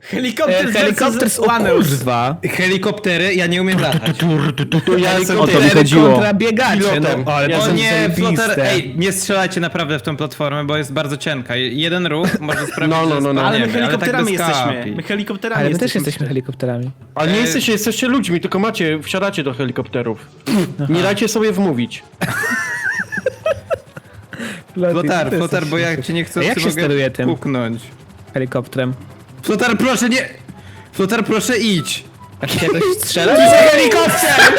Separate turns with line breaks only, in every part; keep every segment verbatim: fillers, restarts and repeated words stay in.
Helikopter,
E, helikopter z kurwa.
Helikoptery, ja nie umiem latać.
Ja jestem
O to mi
pilotem.
chodziło. Kontra biegacze,
Pilotem.
no ale
Ja
to
O
są
nie, flotar,
zajebiste.
ej, nie strzelajcie naprawdę w tą platformę, bo jest bardzo cienka. Jeden ruch może sprawić,
No, no,
że
no, no.
Ale my
spadniemy,
helikopterami
tak bez
jesteśmy.
kapi.
My helikopterami
Ale my też
jesteśmy.
jesteśmy helikopterami.
Ale nie
E,
jesteście, jesteście ludźmi, tylko macie, wsiadacie do helikopterów. Nie dajcie sobie wmówić.
Flotar, flotar, bo jak cię nie chcę,
A jak
to
się
mogę
steruje tym?
puknąć.
Helikopterem.
Flotar, proszę nie... Flotar, proszę idź.
Jak się jakoś strzela? To jest helikopter!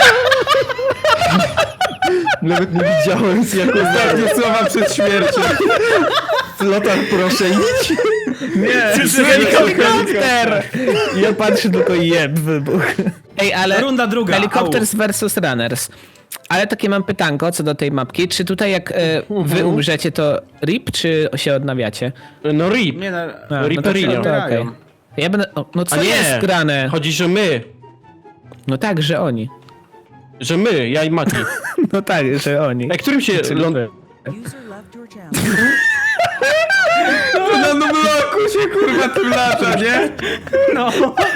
Nawet nie widziałem z jaką
Ostatnie słowa przed śmiercią.
Flotar, proszę idź.
Nie, to jest helikopter! Ja patrzę tylko i jeb wybuch. Ej, ale
Runda druga,
Helicopters versus Runners. Ale takie mam pytanko co do tej mapki. Czy tutaj jak e, wy umrzecie to rip, czy się odnawiacie?
No rip.
Nie, no,
A, no to,
Riperinio.
to, to okej. Ja będę... O, no co
A nie,
jest grane?
chodzi, że my.
No tak, że oni.
Że my, ja i Mati.
No tak, że oni.
A którym się...
Czyli
ląd...
wy.
User left your channel.
No, no bloku się kurwa tym lata, nie?
no.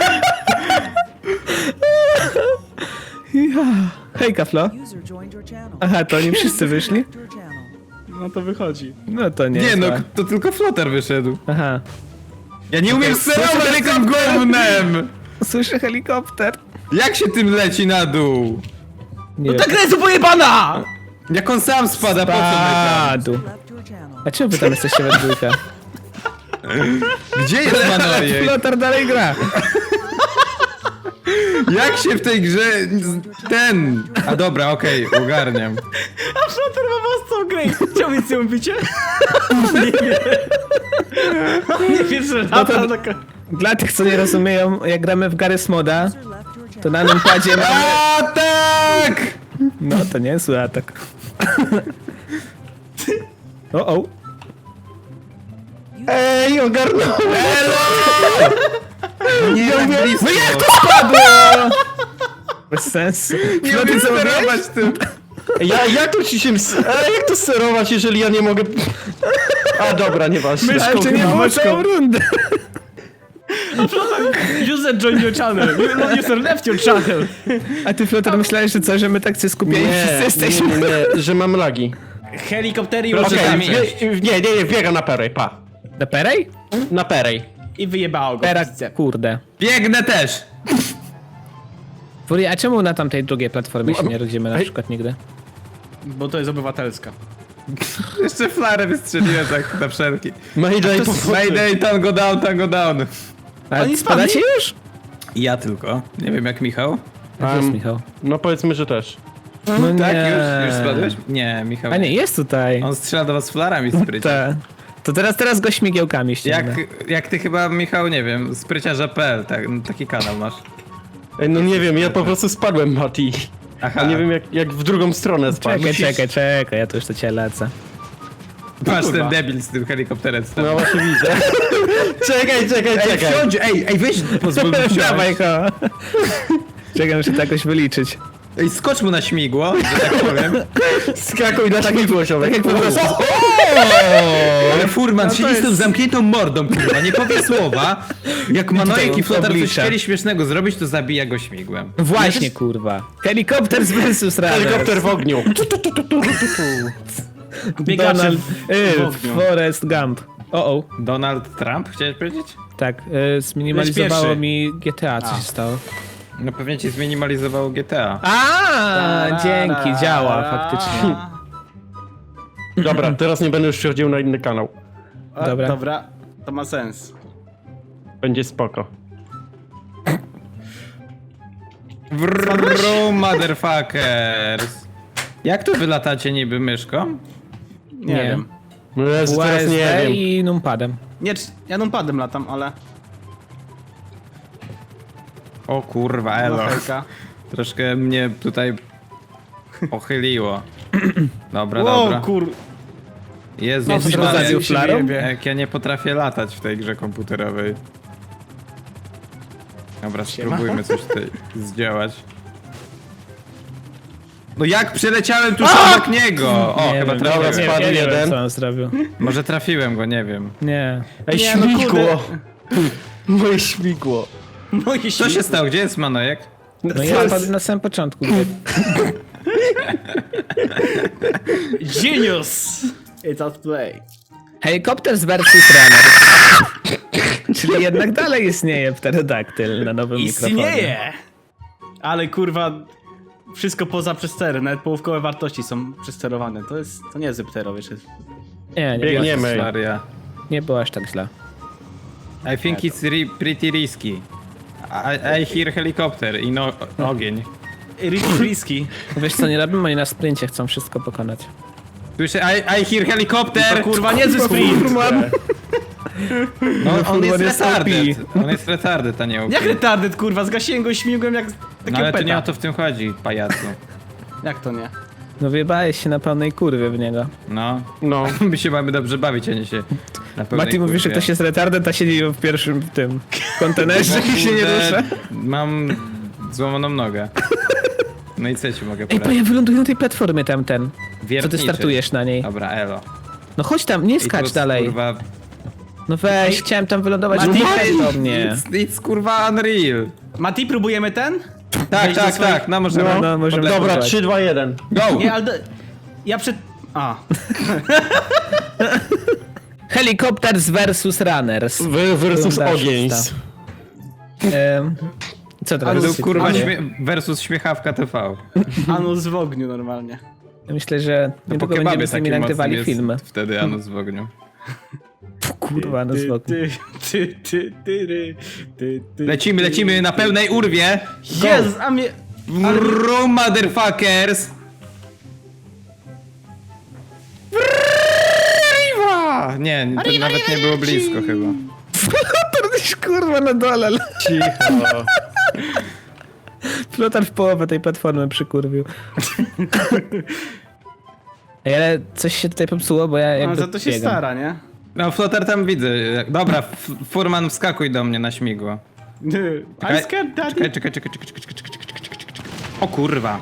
Hej, Kaflo.
User joined your channel.
Aha, to oni wszyscy wyszli?
Left your channel.
No to wychodzi.
No to nie.
Nie no,
zła.
to tylko flotar wyszedł.
Aha.
Ja nie umiem sterować tym gównem!
Słyszę helikopter.
Jak się tym leci na dół?
Nie
Ta gra jest pojebana!
Jak on sam spada, po co my tam?
Padł.
Left your channel.
A czemu wy tam jesteście we dwójkę?
Gdzie jest Manojek?
Flotar dalej gra.
Jak się w tej grze... ten... A dobra, okej, ogarniam.
A Flotar ma własną grę. Chciał mieć ją bicie? nie wie. nie wie, że lata
to-
taka...
Dla tych, co nie rozumieją, jak gramy w Garry's Moda,
User left your
to
channel.
na numpadzie mamy...
A tak!
No to nie jest zły atak. O, o.
Ej, ogarnąłem!
Nie, tak blisko.
No jak to spadło? Bez sensu.
Nie
No
umiem
ty co
sterować tym.
Ja, jak to ci się... ms- A jak to sterować, jeżeli ja nie mogę... A dobra, nieważne.
Ale czy nie
kurwa,
było
myszką.
całą rundę?
User joined your channel. User left your channel.
A ty, Flotar, myślałeś, że co, że my tak się skupieni wszyscy
Nie, nie,
jesteśmy?
nie, nie, że mam lagi.
Helikoptery
Proszę
użyte
tam
Okej,
iść.
nie, nie, nie, nie, biega na perej, pa.
Na perej?
Na perej.
i wyjebało go.
Pera,
w pizdę.
kurde.
Biegnę też.
Furia, a czemu na tamtej drugiej platformie się nie rodzimy na
Ej.
przykład nigdy?
Bo to jest obywatelska.
Jeszcze flarę wystrzeliłem tak na wszelki.
Mayday,
Mayday, tango down, tango down.
A
Oni
spadacie już?
Ja tylko. Nie wiem jak Michał.
Jak jest
Um,
Michał?
No powiedzmy, że też.
No nie.
Tak, już, już spadłeś? Nie, Michał.
A nie, jest tutaj.
On strzela do was flarami sprycie.
Ta. To teraz, teraz go śmigiełkami
Jak,
ściągnę.
jak ty chyba, Michał, nie wiem, spryciarza kropka pe el, tak, taki kanał masz.
Ej, no nie wiem, ja po prostu spadłem, Mati.
Aha,
A nie wiem, jak, jak w drugą stronę spadł.
Czekaj,
Musisz-
czekaj, czekaj, ja tu już do ciebie lecę.
masz
kurwa.
ten debil z tym helikopterem stał.
No właśnie widzę. czekaj, czekaj,
Ej,
czekaj.
wsiądź, ej, ej, weź, pozwól mi wsiąść.
Dawaj go. Czekaj, muszę to jakoś wyliczyć.
Ej, skocz mu na śmigło, że tak powiem.
Skakuj na śmigło, ziomek.
Tak jak po prostu.
Ale furman
to
siedzi z tą
jest-
zamkniętą mordą, kurwa, nie powie słowa. Jak Manojek i Flotar coś
oblicza.
chcieli śmiesznego zrobić, to zabija go śmigłem.
Właśnie, kurwa. Helikopter z versus Runners.
Helikopter w ogniu.
Biegacze
Donald,
w,
y,
w ogniu.
Forrest Gump. O, o.
Donald Trump, chciałeś powiedzieć?
Tak, y, zminimalizowało
pierwszy.
mi G T A, co
A.
się stało.
No pewnie ci zminimalizowało G T A.
A, dzięki, działa faktycznie.
Dobra, teraz nie będę już przechodził na inny kanał.
A,
Dobra.
Dobra, to ma sens.
Będzie spoko.
Vrrrru, motherfuckers. Jak tu wy latacie niby myszką?
Nie,
Nie.
wiem.
No Jezu, teraz nie
U S D
wiem.
i numpadem.
Nie, czy- ja numpadem latam, ale...
O kurwa,
No,
elo.
hejka.
Troszkę mnie tutaj pochyliło. Dobra,
Wow,
dobra.
kur...
Jezus
No,
Jesteś
Maria,
rozraził
się
flarą?
wyjebie.
jak ja nie potrafię latać w tej grze komputerowej. Dobra, spróbujmy coś tutaj zdziałać. No jak przeleciałem tuż obok niego? O,
Nie
chyba
wiem,
trafiłem.
dobra, spadł
nie wiem,
jeden.
co on zrobił.
Może trafiłem go, nie wiem.
Nie.
Ej,
Nie, no
śmigło!
kurde.
Moje śmigło.
Moje
Co
śmigło.
się stało? Gdzie jest Manojek?
No
Co
ja
jest?
spadłem na samym początku.
Genius! It's out play.
Helikopter versus runner. Czyli jednak dalej istnieje pterodaktyl na nowym mikrofonie.
Istnieje! Ale kurwa, wszystko poza przestery, nawet połówkowe wartości są przesterowane. To jest, to nie jest ptero, wiesz.
Nie, nie było,
Biegniemy.
Maria.
nie było aż tak źle.
I think it's ri pretty risky. I, I hear helicopter i no, ogień.
Riski.
Wiesz co, nie robimy, oni na sprincie chcą wszystko pokonać.
Słyszę, I, I hear helicopter!
To kurwa nie ze sprint.
No, on jest
jest
retarded. On jest retarded, a nie O P.
Jak retarded kurwa, zgasiłem go i śmigłem jak
No
takie
ale to nie
peta.
o to w tym chodzi, pajacu.
Jak to nie?
No wyjebałeś się na pełnej kurwie w niego.
No.
No.
My się mamy dobrze bawić, a nie się na pewno.
Mati mówi, że ktoś jest retarded, a siedzi w pierwszym w tym kontenerze i się nie rusza.
Mam złamaną nogę. No i co ci mogę
Ej,
poradzić?
bo ja wyląduję na tej platformie tamten. Co ty
Wiertniczy.
startujesz na niej?
Dobra, elo.
No chodź tam, nie
I
skacz
tu,
dalej.
Kurwa,
No weź, chciałem tam wylądować.
Mati,
No weź do mnie.
It's, it's kurwa unreal.
Mati, próbujemy ten?
Tak,
Wejść do
tak,
swoich-
tak, no możemy.
No, no, możemy.
podlewać.
Dobra, trzy, dwa, jeden.
Go!
Nie, ale... do- Ja przed... A.
Helikopters versus runners.
Wy versus
Runda
ogień.
szósta. Ehm, co teraz?
To kurwa
dzieje?
śmie versus śmiechawka T V.
Anus w ogniu normalnie.
Ja myślę, że niedługo będziemy z nimi nagrywali film.
Wtedy Anus w ogniu.
Kurwa, no
Ty,
zwokół.
ty, ty, ty, ty, ty, ty, ty,
Lecimy,
ty,
lecimy na pełnej urwie.
Jezu, a mnie...
Vroom, motherfuckers! Arriva! Nie, to nawet nie było blisko chyba.
To gdzieś kurwa na dole.
Cicho.
Flotar w połowę tej platformy przykurwił. Ej, ale coś się tutaj popsuło, bo ja
No,
jakby
za to się
biegam.
stara, nie?
No, Flotar tam widzę. Dobra, F- Furman, wskakuj do mnie na śmigło.
I'm scared, daddy.
Czekaj, czekaj, czekaj, czekaj, czekaj, czekaj, czekaj, czekaj, czekaj, czekaj. O kurwa.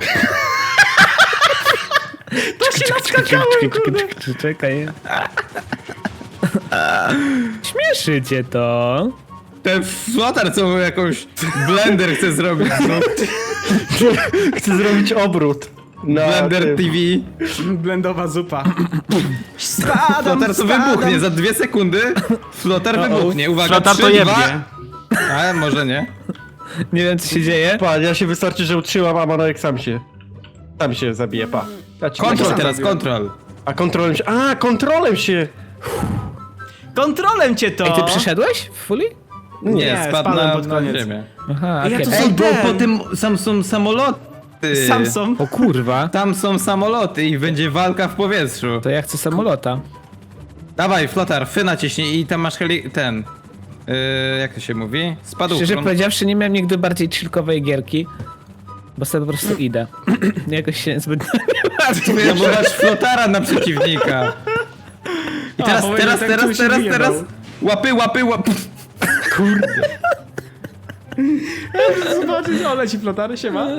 To się naskakałem, kurde.
Czekaj. Śmieszy cię to.
Ten Flotar co mu jakąś blender chce zrobić. No.
Chcę zrobić obrót. Na
Blender
tym.
T V.
Blendowa zupa. Spadam,
Flotar to
spadam.
wybuchnie za dwie sekundy. Flotar wybuchnie. Uwaga,
Flotar to
trzy,
jebnie.
dwa. A może nie.
Nie wiem co się dzieje.
Pa, ja się wystarczy, że utrzymam, a Manojek sam się... Sam się zabije, pa. Ja ci
Kontrol
tak
teraz,
zrobiłem.
kontrol.
A kontrolem się... A, kontrolem się...
Kontrolem cię to!
Ej, ty przyszedłeś w fully?
Nie,
Nie,
spadł
spadłem
na,
pod
na
koniec.
ziemię.
Aha,
Ej, ja
okej.
tu
Ej,
są
bo
ten.
po tym sam są samoloty.
Samsung.
O kurwa.
Tam są samoloty i będzie walka w powietrzu.
To ja chcę samolota.
Dawaj, Flotar, fy naciśnij i tam masz heli... ten... Yy, jak to się mówi? Spadł.
Szczerze powiedziawszy, nie miałem nigdy bardziej chillkowej gierki. Bo sobie po prostu idę. Jakoś się zbyt nie martwię.
No bo masz Flotara na przeciwnika. I
A,
teraz,
powiedział,
teraz,
tak,
teraz,
tu się
teraz,
wyjebał.
teraz. Łapy, łapy, łapy.
Zobaczyć, o, leci flotary, się ma.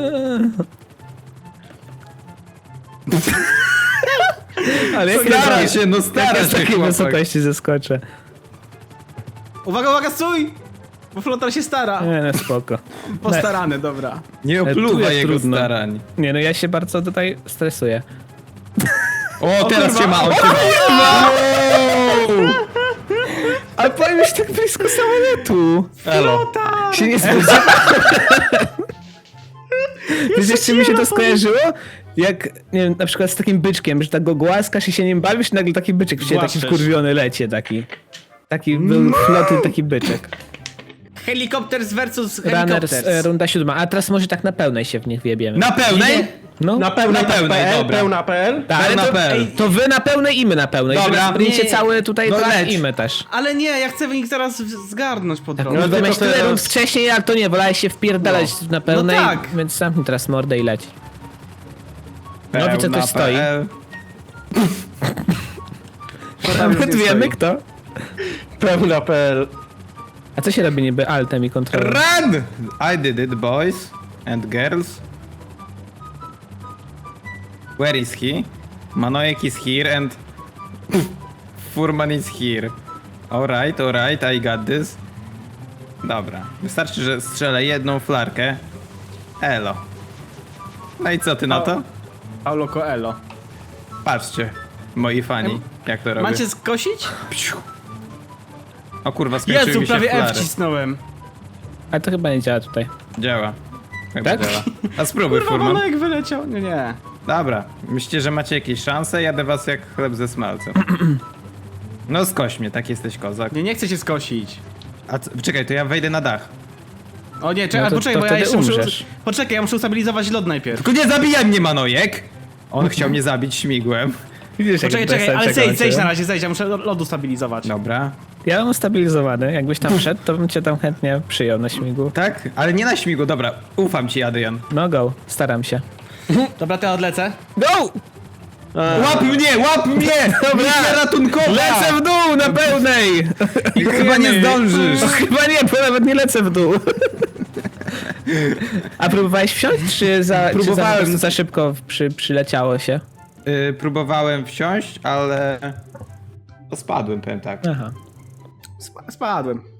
Ale jak
Stara
ja-
się, no stara
jak z
się
takiej
chłopak.
wysokości zeskoczę.
Uwaga, uwaga, stój! Bo flotar się stara.
Nie, no spoko.
Postarany, dobra.
Nie
tu
opluwa
jest
jego
trudno.
starań.
Nie no, ja się bardzo tutaj stresuję.
O, teraz
kurwa.
się ma, on się ma.
Ale powiem już tak blisko samolotu.
Elo.
Się nie spodziewałem. Wiesz, jeszcze mi się to skojarzyło? Jak, nie wiem, na przykład z takim byczkiem, że tak go głaskasz i się nim bawisz i nagle taki byczek w ciebie, taki
Głaszczesz.
wkurwiony lecie taki. Taki był floty, taki byczek.
Helikopters versus
Runners,
helikopters.
e, runda siódma. A teraz może tak na pełnej się w nich wjebiemy.
Na pełnej?
No,
Na pełnej,
Na pełnej,
P L,
dobra.
pełna P L.
tak, ale
pełna
to,
P L.
ej, to wy na pełnej i my na pełnej.
Dobra.
Dobra, sprincie
Nie.
cały tutaj,
No
to
leć.
i my też.
Ale nie, ja chcę ich zaraz w- zgarnąć po drodze.
No to
tylko
miałeś tyle
teraz-
rund wcześniej, ale to nie, wolałeś się wpierdalać na pełnej,
No tak.
więc zamknij teraz mordę i leć. No widzę,
Pełna
ktoś stoi.
P L.
Nawet wiemy kto.
Pełna P L.
A co się robi niby altem i kontrolą?
Run! I did it, boys and girls. Where is he? Manojek is here and Furman is here. Alright, alright, I got this. Dobra, wystarczy, że strzelę jedną flarkę. Elo. No i co ty na to?
Paulo Coelho.
Patrzcie, moi fani, jak to robię.
Macie skosić?
Psiu. O kurwa, skończyły
Jezu,
mi się
prawie F
flary.
wcisnąłem.
Ale to chyba nie działa tutaj.
Działa. Chyba
Tak?
działa. A spróbuj,
Kurwa,
furman.
Bolek wyleciał. Nie, nie.
Dobra, myślicie, że macie jakieś szanse? Jadę was jak chleb ze smalcem. No skoś mnie, tak jesteś kozak.
Nie, nie chcę się skosić.
A co, czekaj, to ja wejdę na dach.
O nie, czekaj,
No to-
poczekaj,
to
bo ja
wtedy
jeszcze muszę...
umrzesz.
Poczekaj, ja muszę ustabilizować lód najpierw.
Tylko nie zabijaj mnie, Manojek! On chciał mnie zabić śmigłem.
Widzisz, jak
Poczekaj,
bez
czekaj, ale
sensu
zejdź, zejdź
kończy.
na razie, zejdź, ja muszę lodu stabilizować.
Dobra.
Ja mam ustabilizowany. Jakbyś tam wszedł, to bym cię tam chętnie przyjął na śmigu.
Tak? Ale nie na śmigu, dobra. Ufam ci, Adrian.
No go, staram się.
Dobra, to ja odlecę.
Go!
Łap mnie, łap mnie! Misja ratunkowa!
Lecę w dół na pełnej!
I chyba nie zdążysz.
No, chyba nie, bo nawet nie lecę w dół. A próbowałeś wsiąść, czy za, czy za,
Próbowałem.
po prostu za szybko przy, przyleciało się?
Yy, próbowałem wsiąść, ale... To spadłem, powiem tak.
Aha.
Sp- spadłem.